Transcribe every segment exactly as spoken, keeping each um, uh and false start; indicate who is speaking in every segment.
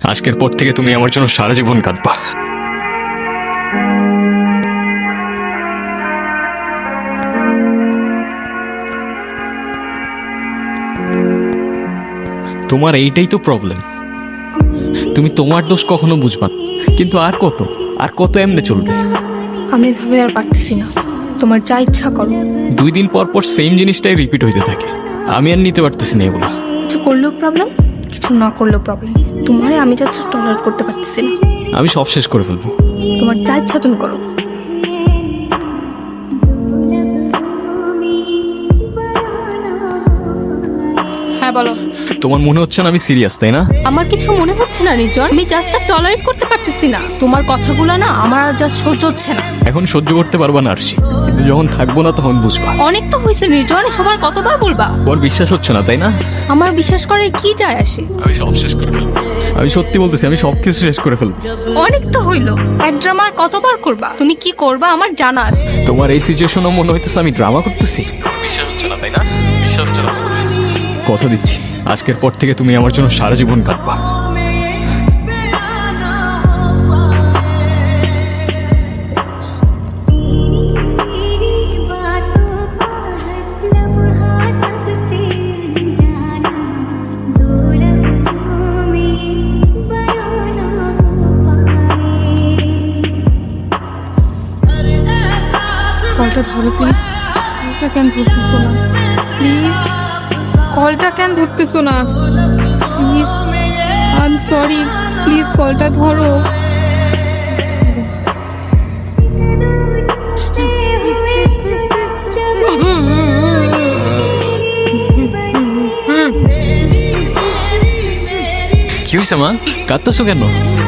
Speaker 1: আজকের পর থেকে তুমি আমার জন্য সারা জীবন কাঁদবা। তোমার এইটাই তো প্রবলেম, তুমি তোমার দোষ কখনো বুঝবা না। কিন্তু আর কত আর কত এমনি চলবে?
Speaker 2: আমি এভাবে আর পারতেছি না, তোমার যা ইচ্ছা করো।
Speaker 1: দুই দিন পর পর সেম জিনিসটাই রিপিট হইতে থাকে, আমি আর নিতে পারতেছি না এগুলো।
Speaker 2: কিছু করলেও প্রবলেম, কিছু না করলেও প্রবলেম। তোমারে আমি জাস্ট টলারেট করতে পারতেছি না।
Speaker 1: আমি সব শেষ করে ফেলবো।
Speaker 2: তোমার যা ইচ্ছা তুমি করো। হ্যাঁ বলো।
Speaker 1: তোমার মনে হচ্ছে না আমি সিরিয়াস, তাই না?
Speaker 2: আমার কিছু মনে হচ্ছে না নির্জন, আমি জাস্ট আর টলারেট করতে পারতেছি না। তোমার কথাগুলো না আমার আর জাস্ট সহ্য হচ্ছে না।
Speaker 1: এখন সহ্য করতে পারবা না আরশি, কিন্তু যখন থাকবো না তখন বুঝবা।
Speaker 2: অনেক তো হয়েছে নির্জন, সবার কতবার বলবা?
Speaker 1: ওর বিশ্বাস হচ্ছে না, তাই না?
Speaker 2: আমার বিশ্বাস করে কি যায় আসে?
Speaker 1: আমি সব শেষ করে ফেলবো। আমি সত্যি বলতেছি, আমি সবকিছু শেষ করে ফেলবো।
Speaker 2: অনেক তো হইলো, এক ড্রামা আর কতবার করবা? তুমি কি করবা আমার জানা আছে।
Speaker 1: তোমার এই সিচুয়েশনও মনে হইতেছে আমি ড্রামা করতেছি। বিশ্বাস হচ্ছে না, তাই না? বিশ্বাস হচ্ছে না তোমার? কথা দিচ্ছি, আজকের পর থেকে তুমি আমার জন্য সারা জীবন কাঁদবা।
Speaker 2: কলটা ধরো প্লিজ। কলটা কেন ধরতেছো না প্লিজ? কলটা কেন ধরতেছো না please? I am sorry, please কলটা ধরো।
Speaker 1: কি হয়েছে মা, কাঁদতেছো কেন?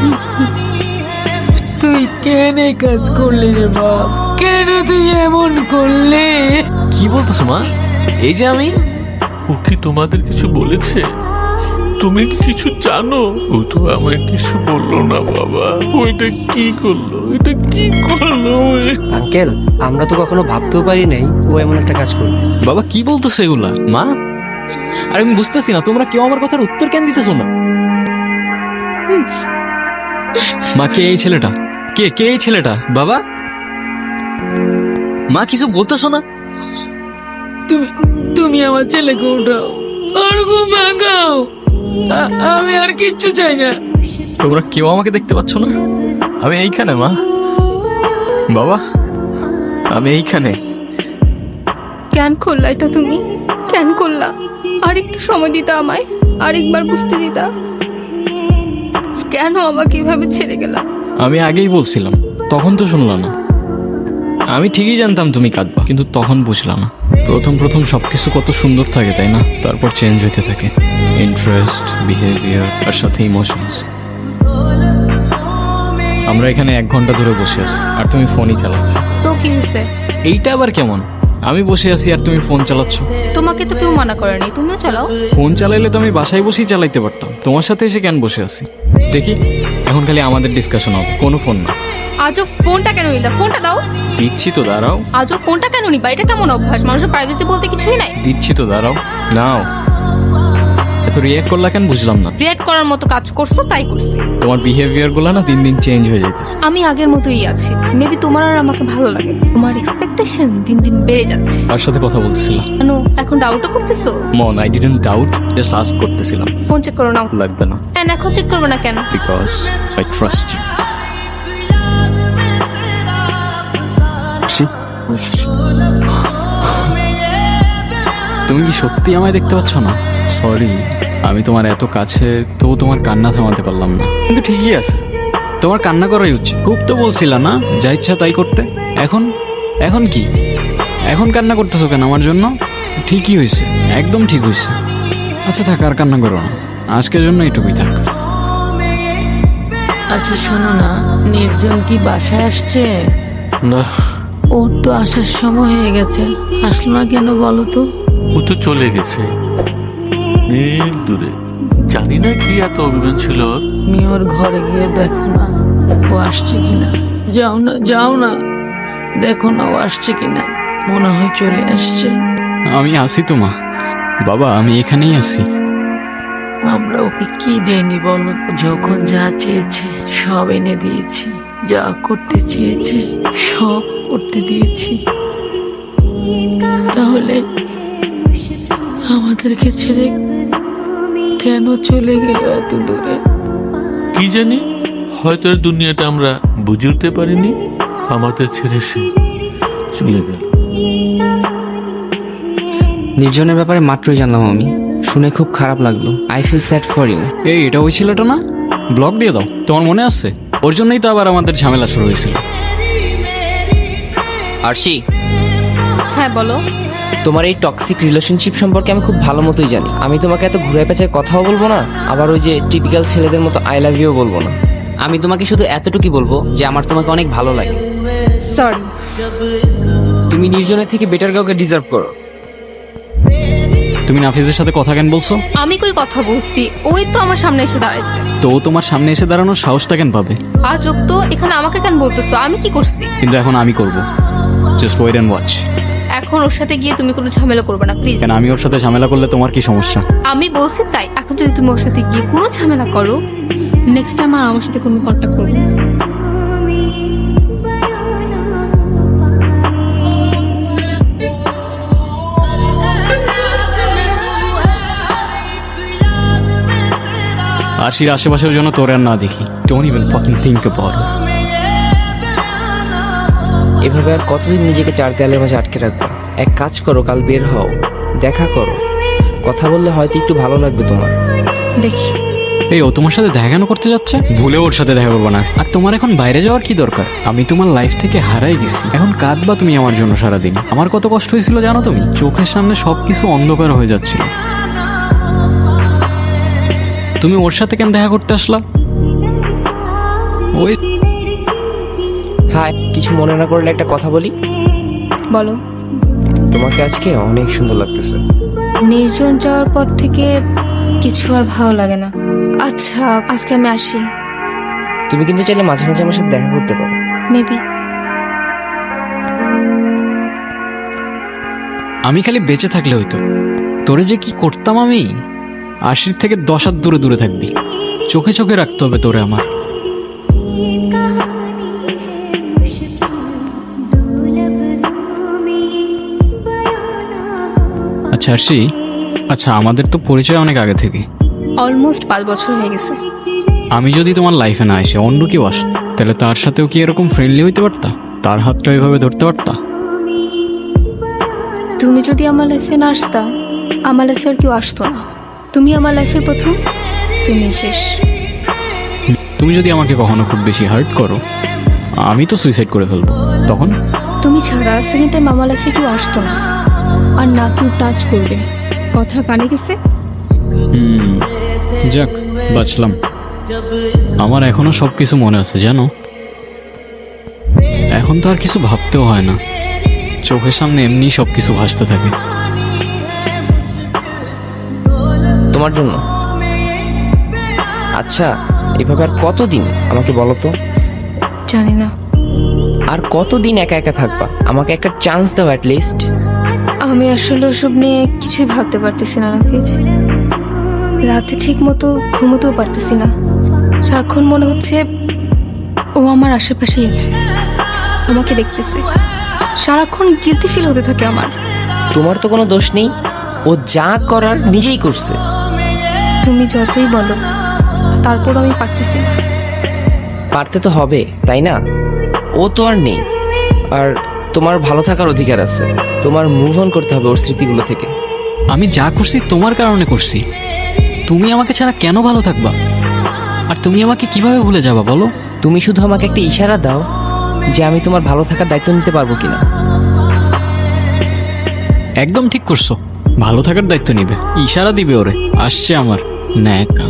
Speaker 3: তুই কেন এই কাজ করলি রে বাপ? কেন তুই এমন করলি?
Speaker 1: কি বলতেছো মা? এই যে আমি।
Speaker 4: ও কি তোমাদের কিছু বলেছে? তুমি কি কিছু জানো? ও তো আমায় কিছু বললো না বাবা। ওইটা কি করলো? এটা কি করলো?
Speaker 5: আঙ্কেল, আমরা তো কখনো ভাবতেও পারি নাই ও এমন একটা কাজ করবে।
Speaker 1: বাবা কি বলতেছো এগুলা মা? আর আমি বুঝতেছি না, তোমরা কেউ আমার কথার উত্তর কেন দিতেছো না? মা, কে এই ছেলেটা? কে কে এই ছেলেটা? বাবা, মা কিছু বলতেছো না?
Speaker 3: তুমি তুমি আমার ছেলেকে উঠাও, আর ঘুম ভাঙাও। আ- আমি আর কিচ্ছু চাই না।
Speaker 1: তোমরা কেউ আমাকে দেখতে পাচ্ছ না? আমি এইখানে মা, বাবা, আমি এইখানে।
Speaker 2: কেন করলা এটা তুমি? কেন করলা? আর একটু সময় দিতা আমায়, আরেকবার বুঝতে দিতা। কেন আমাকে এভাবে ছেড়ে গেলা?
Speaker 1: আমি আগেই বলছিলাম, তখন তো শুনলা না। আমি ঠিকই জানতাম তুমি কাঁদবা, কিন্তু তখন বুঝলাম না। প্রথম প্রথম সবকিছু কত সুন্দর থাকে, তাই না? তারপর চেঞ্জ হইতে থাকে, ইন্টারেস্ট, বিহেভিয়ার আর সাথে ইমোশনস। আমরা এখানে এক ঘন্টা ধরে বসে আছি আর তুমি ফোনই চালাও।
Speaker 2: তো কি হয়েছে?
Speaker 1: এইটা আবার কেমন? আমি বসে আছি আর তুমি ফোন চালাচ্ছ।
Speaker 2: তোমাকে তো কেউ মানা করেনি, তুমিও চালাও।
Speaker 1: ফোন চালাইলে তো আমি বাসায় বসেই চালাইতে পারতাম, তোমার সাথে এসে কেন বসে আছি? দেখি, এখন খালি আমাদের ডিসকাশন হবে, কোনো ফোন না।
Speaker 2: আজও ফোনটা কেন নিলা? ফোনটা দাও।
Speaker 1: দিচ্ছি তো, দাঁড়াও।
Speaker 2: আজও ফোনটা কেন নিবা? এটা কেমন অভ্যাস? মানুষের প্রাইভেসি বলতে কিছুই নাই।
Speaker 1: দিচ্ছি তো, দাঁড়াও। নাও। এত রিয়াক্ট করলা কেন বুঝলাম না।
Speaker 2: রিয়েক্ট করার মতো কাজ করছো তাই করছি।
Speaker 1: তোমার বিহেভিয়ার গুলো না দিন দিন চেঞ্জ হয়ে যাইতেছে।
Speaker 2: আমি আগের মতোই আছি, মেবি তোমার আর আমাকে ভালো লাগে। তোমার এক্সপেকটেশন দিন দিন বেড়ে যাচ্ছে।
Speaker 1: কার সাথে কথা বলতেছিলাম?
Speaker 2: কেন এখন ডাউটও করতেছো?
Speaker 1: মন, I didn't doubt, just ask করতেছিলাম।
Speaker 2: ফোন চেক করো নাও।
Speaker 1: লাগবে না,
Speaker 2: কেন এখন চেক করবে না কেন?
Speaker 1: Because I trust you. তুমি কি সত্যি আমায় দেখতে পাচ্ছ না? সরি, আমি তোমার এত কাছে, তবু তোমার কান্না থামাতে পারলাম না। কিন্তু ঠিকই আছে, তোমার কান্না করাই উচিত। খুব তো বলছিলা না যা ইচ্ছা তাই করতে। এখন এখন কি? এখন কান্না করতেছো কেন আমার জন্য? ঠিকই হয়েছে, একদম ঠিক হয়েছে। আচ্ছা থাক, আর কান্না করো না, আজকের জন্য এটুকুই থাক।
Speaker 3: আচ্ছা শোনো না, নির্জন কি বাসায় আসছে?
Speaker 4: না,
Speaker 3: ওর তো আসার সময় হয়ে গেছে, আসলো না কেন বলো তো?
Speaker 4: ও তো চলে গেছে অনেক দূরে। জানি না কি এত অভিমান ছিল ওর।
Speaker 3: তুমি ওর ঘরে গিয়ে দেখো না ও আসছে কিনা। যাও না, যাও না, দেখো না ও আসছে কিনা। মনে হয় চলে আসছে।
Speaker 1: আমি আসি তো মা। বাবা, আমি এখানেই আছি।
Speaker 3: আমরা ওকে কি দেয়নি বলো? যখন যা চেয়েছে সব এনে দিয়েছি, যা করতে চেয়েছে সব করতে দিয়েছি। তাহলে আমাদেরকে ছেড়ে কেন চলে গেল এত দূরে?
Speaker 4: কি জানি, হয়তো এর দুনিয়াটা আমরা বুঝে উঠতে পারিনি, আমাদের ছেড়ে সে চলে গেল।
Speaker 5: নির্জনের ব্যাপারে মাত্রই জানলাম আমি, শুনে খুব খারাপ লাগলো। I feel sad for you.
Speaker 1: এই এটা ওই ছেলেটা না? ব্লক দিয়ে দাও, তোমার মনে আছে? ওর জন্যই তো আবার আমাদের ঝামেলা শুরু হয়েছিল।
Speaker 5: আরশি,
Speaker 2: হ্যাঁ বলো।
Speaker 5: তোমার এই টক্সিক রিলেশনশিপ সম্পর্কে আমি খুব ভালো মতোই জানি। আমি তোমাকে এত ঘুরে পেঁচায় কথাও বলবো না, আবার ওই যে টিপিক্যাল ছেলেদের মতো আই লাভ ইউ বলবো না। আমি তোমাকে শুধু এতটুকুই বলবো যে আমার তোমাকে অনেক ভালো লাগে।
Speaker 2: সরি।
Speaker 5: তুমি নির্জনের থেকে বেটার কাউকে ডিজার্ভ করো।
Speaker 1: তুমি নাফিজের সাথে কথা কেন বলছো?
Speaker 2: আমি কই কথা বলছি, ওই তো আমার সামনে এসে দাঁড়াইছে।
Speaker 1: তো ও তোমার সামনে এসে দাঁড়ানোর সাহসটা কেন পাবে?
Speaker 2: আজব তো, এখানে আমাকে কেন বলতেছো? আমি কি করছি?
Speaker 1: কিন্তু এখন আমি করব। Just wait and watch.
Speaker 2: এখন ওর সাথে গিয়ে তুমি কোনো ঝামেলা করবে না প্লিজ।
Speaker 1: কেন, আমি ওর সাথে ঝামেলা করলে তোমার কি সমস্যা?
Speaker 2: আমি বলছি তাই। এখন যদি তুমি ওর সাথে গিয়ে কোনো ঝামেলা করো, নেক্সট টাইম আর আমার সাথে কোনো কন্ট্যাক্ট করবে না।
Speaker 1: আরশির আশেপাশের জন্য তোর আর না দেখি। Don't even fucking think about it.
Speaker 5: এভাবে আর কতদিন নিজেকে চার দেয়ালের মাঝে আটকে রাখবো? এক কাজ করো, কাল বের হও, দেখা করো, কথা বললে হয়তো একটু ভালো লাগবে তোমার।
Speaker 2: দেখি।
Speaker 1: এই ও তোমার সাথে দেখা কেন করতে যাচ্ছে? ভুলে ওর সাথে দেখা করবো না। আর তোমার এখন বাইরে যাওয়ার কি দরকার? আমি তোমার লাইফ থেকে হারাই গেছি, এখন কাঁদবা তুমি আমার জন্য সারাদিন। আমার কত কষ্ট হয়েছিল জানো তুমি? চোখের সামনে সবকিছু অন্ধকার হয়ে যাচ্ছিল। তুমি ওর সাথে কেন দেখা করতে আসলা? ওই
Speaker 5: হাই, কিছু মনে না করলে একটা কথা বলি।
Speaker 2: বলো।
Speaker 5: তোমাকে আজকে অনেক সুন্দর লাগতেছে।
Speaker 2: নির্জন যাওয়ার পর থেকে কিছু আর ভালো লাগে না। আচ্ছা আজকে আমি আসি।
Speaker 5: তুমি কিন্তু চাইলে মাঝে মাঝে আমার সাথে দেখা করতে পারো।
Speaker 2: মেবি।
Speaker 1: আমি খালি বেঁচে থাকলে হইতো, তোরে যে কি করতাম আমি। আশির থেকে দশ হাত দূরে দূরে থাকবি, চোখে চোখে রাখতে হবে তোরে আমার। আচ্ছা আরশি, আচ্ছা আমাদের তো পরিচয় অনেক আগে থেকে,
Speaker 2: অলমোস্ট পাঁচ বছর হয়ে গেছে।
Speaker 1: আমি যদি তোমার লাইফে না এসে অন্য কেউ আস, তাহলে তার সাথেও কি এরকম ফ্রেন্ডলি হইতে পারতা? তার হাতটা এভাবে ধরতে পারতা?
Speaker 2: তুমি যদি আমার লাইফে না আসতা, আমার লাইফে আর কেউ আসতো না। তুমি আমার লাইফের প্রথম, তুমি শেষ।
Speaker 1: তুমি যদি আমাকে কখনো খুব বেশি হার্ট করো, আমি তো সুইসাইড করে ফেলবো। তখন
Speaker 2: তুমি ছাড়া সেকেন্ড টাইম আমার লাইফে কেউ আসতো না, আর না কেউ টাচ করবে। কথা কানে গেছে?
Speaker 1: হুম, যাক বাঁচলাম। আমার এখনো সবকিছু মনে আছে জানো। এখন তো আর কিছু ভাবতেও হয় না, চোখের সামনে এমনি সবকিছু ভাসতে থাকে।
Speaker 5: তোমার জন্য। আচ্ছা, এভাবে আর কতদিন আমাকে বলো তো?
Speaker 2: জানি না।
Speaker 5: আর কতদিন একা একা থাকবা? আমাকে একটা চান্স দাও অ্যাট লিস্ট।
Speaker 2: আমি আসলে ওসব নিয়ে কিছুই ভাবতে পারতেছি না নাফিজ। রাতে ঠিক মতো ঘুমোতেও পারতেছি না। সারাক্ষণ মনে হচ্ছে ও আমার আশেপাশেই আছে, আমাকে দেখতেছে। সারাক্ষণ গিলটি ফিল হতে থাকে আমার।
Speaker 5: তোমার তো কোনো দোষ নেই, ও যা করার নিজেই করছে।
Speaker 2: তুমি যতই বলো, তারপর আমি পারতেছি না।
Speaker 5: পারতে তো হবে, তাই না? ও তো আর নেই, আর তোমার ভালো থাকার অধিকার আছে। তোমার মুভ অন করতে হবে ওর স্মৃতিগুলো থেকে।
Speaker 1: আমি যা করছি তোমার কারণে করছি। তুমি আমাকে ছাড়া কেন ভালো থাকবা? আর তুমি আমাকে কিভাবে ভুলে যাবা বলো?
Speaker 5: তুমি শুধু আমাকে একটা ইশারা দাও যে আমি তোমার ভালো থাকার দায়িত্ব নিতে পারবো কিনা।
Speaker 1: একদম ঠিক করছো, ভালো থাকার দায়িত্ব নিবে। ইশারা দিবে ওরে, আসছে আমার ন্যাকা।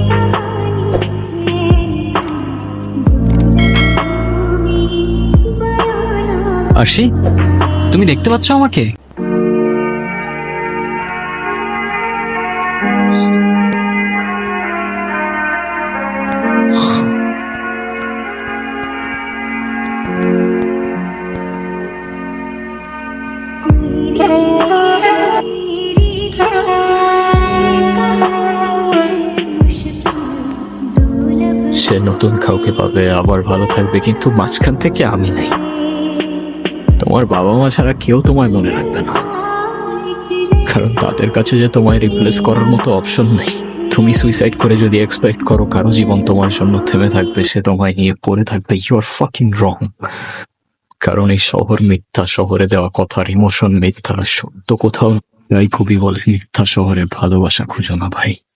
Speaker 1: আরশি, তুমি দেখতে পাচ্ছ আমাকে? সে নতুন কাউকে পাবে, আবার ভালো থাকবে, কিন্তু মাঝখান থেকে আমি নেই। তোমার বাবা মা ছাড়া কেউ তোমায় মনে রাখবে না, কারণ তাদের কাছে যে তোমায় রিপ্লেস করার মতো অপশন নেই। তুমি সুইসাইড করে যদি এক্সপেক্ট করো কারো জীবন তোমার জন্য থেমে থাকবে, সে তোমায় নিয়ে পড়ে থাকবে, ইউ আর ফাকিং রং। কারণ এই শহর মিথ্যা, শহরে দেওয়া কথার ইমোশন মিথ্যা, সত্য কোথাও তাই কবি বলে মিথ্যা শহরে ভালোবাসা খুঁজো না ভাই।